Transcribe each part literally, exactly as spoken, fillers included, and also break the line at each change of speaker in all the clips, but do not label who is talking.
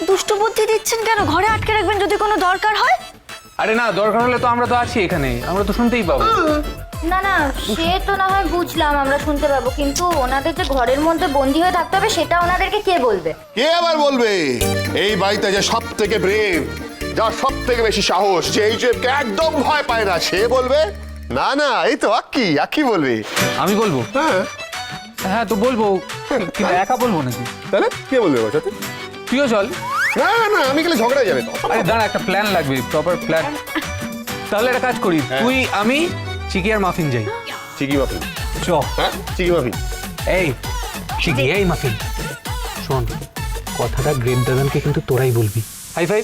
দুষ্টু বুদ্ধি দিচ্ছেন কেন? ঘরে আটকে রাখবেন যদি কোনো দরকার হয়।
আরে না, দরকার হলে তো আমরা তো আছি এখানে, আমরা তো শুনতেই পাবো।
না না, সে তো না হয় বুঝলাম, আমরা শুনতে পাবো, কিন্তু ওনাদের যে ঘরের মধ্যে বন্দি হয়ে থাকতে হবে সেটা ওনাদেরকে কে বলবে?
কে আবার বলবে? এই বাড়িতে যে সব থেকে ব্রেভ, যার সব থেকে বেশি সাহস, যে এই যে একদম ভয় পায় না, সে বলবে? না না, এই তো আকি আকি বলবে।
আমি বলবো?
হ্যাঁ
হ্যাঁ তো বলবো, কিন্তু একা বলবো নাকি?
তাহলে কে বলবে ওর সাথে?
তুইও চল।
না না, আমি গেলে ঝগড়া যাবে তো।
আরে দাঁড়া, একটা প্ল্যান লাগবে, প্রপার প্ল্যান। তাহলে একটা কাজ করি, তুই আমি চিকি আর মাফিন যাই।
চিকি মাফিন?
চ।
হ্যাঁ চিকি মাফিন।
এই চিকি, এই মাফিন, শোন, কথাটা গ্রেট দাদানকে কিন্তু তোরাই বলবি। High five.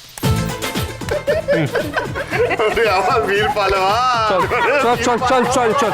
আমার বীর পালোয়ান।
চল চল চল চল চল।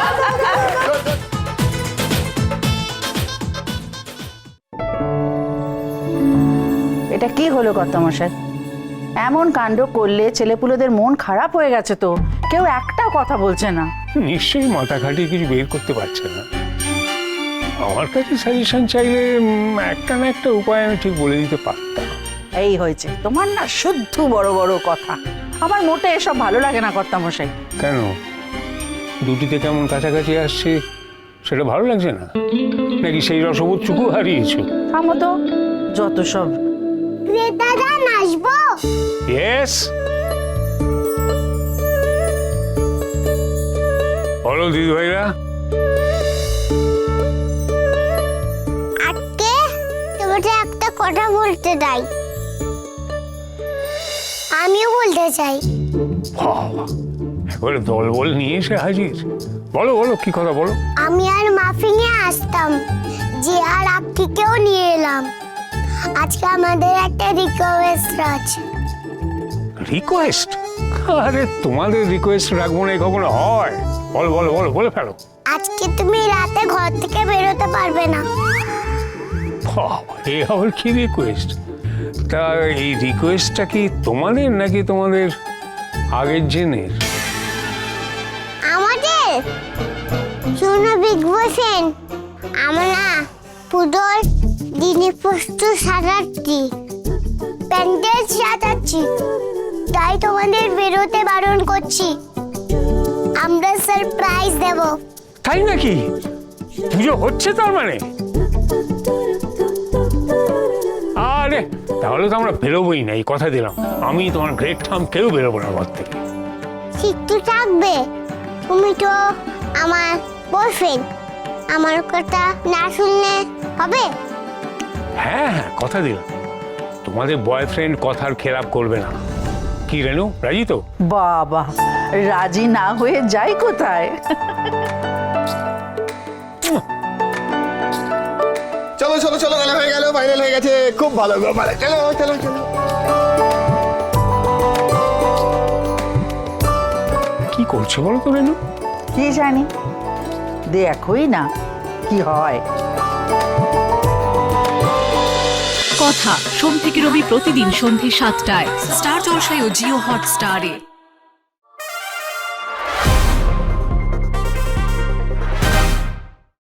এটা কি হলো কর্তামশাই? এমন কাণ্ড করলে ছেলেপুলেদের মন খারাপ হয়ে গেছে তো, কেউ একটাও কথা বলছে না।
নিশ্চয়ই মাথা খাটিয়ে কিছু বের করতে পারছে না। আমার কাছে সাজেশন চাইলে উম, একটা না একটা উপায় আমি ঠিক বলে দিতে পারতাম।
এই হয়েছে তোমার না শুদ্ধ বড় বড় কথা। আমার মোটে এসব ভালো লাগে না কর্তামশাই।
কেন, দুটিতে কেমন কাছাকাছি আসছে সেটা ভালো লাগছে না, নাকি সেই রসবোধটুকু হারিয়েছো?
থামো তো, যত সব।
দাদা নাচবো?
ইয়েস, বলো দিদি ভাইরা।
আজকে তোমাকে একটা কথা বলতে চাই। আমিও বলতে চাই।
বাবা, একবারে দল বল নিয়ে এসে হাজির। বলো বলো, কি কথা বলো।
আমি আর মাফিনে আসতাম, যে আর আক্কিকেও নিয়ে এলাম। আজকে আমাদের একটা রিকোয়েস্ট আছে।
রিকোয়েস্ট? আরে তোমাদের রিকোয়েস্ট রাখবো না, কখনো হয়? বলো বলো বলো, বলে ফেলো।
আজকে তুমি রাতে ঘর থেকে বেরোতে পারবে না।
বাবা, এই আবার কি রিকোয়েস্ট? তা এই রিকোয়েস্টটা কি তোমাদের নাকি তোমাদের আগের জেনের?
আমাদের শোনো বিগ বসেন, আমরা পুজোর দিনে প্রস্তুত সাজাচ্ছি, প্যান্ডেল সাজাচ্ছি, তাই তোমাদের বেরোতে বারণ করছি। আমরা সারপ্রাইজ দেব।
তাই নাকি? পুজো হচ্ছে তার মানে? আরে তাহলে তো আমরা বেরোবোই না, এই কথা দিলাম। আমি তোমার গ্রেট থাম কেউ বেরোবো না ঘর থেকে।
শিক্ষু থাকবে, তুমি তো আমার বয়ফ্রেন্ড, আমার কথা না শুনলে হবে?
হ্যাঁ হ্যাঁ, কথা দিলাম, তোমাদের বয়ফ্রেন্ড কথার খেলাপ করবে না। কি রেনু, রাজি তো?
বাবা, রাজি না হয়ে যাই কোথায়?
চলো চলো চলো, গেলে হয়ে গেল, ফাইনাল হয়ে গেছে, খুব ভালো গো, ভালো। চলো চলো চলো।
কি করছো বলো তো রেনু?
কি জানি, দেখোই না কি হয়।
কথা সোম থেকে রবি প্রতিদিন সন্ধ্যে সাতটায় স্টার জলসায় ও জিও হটস্টারে।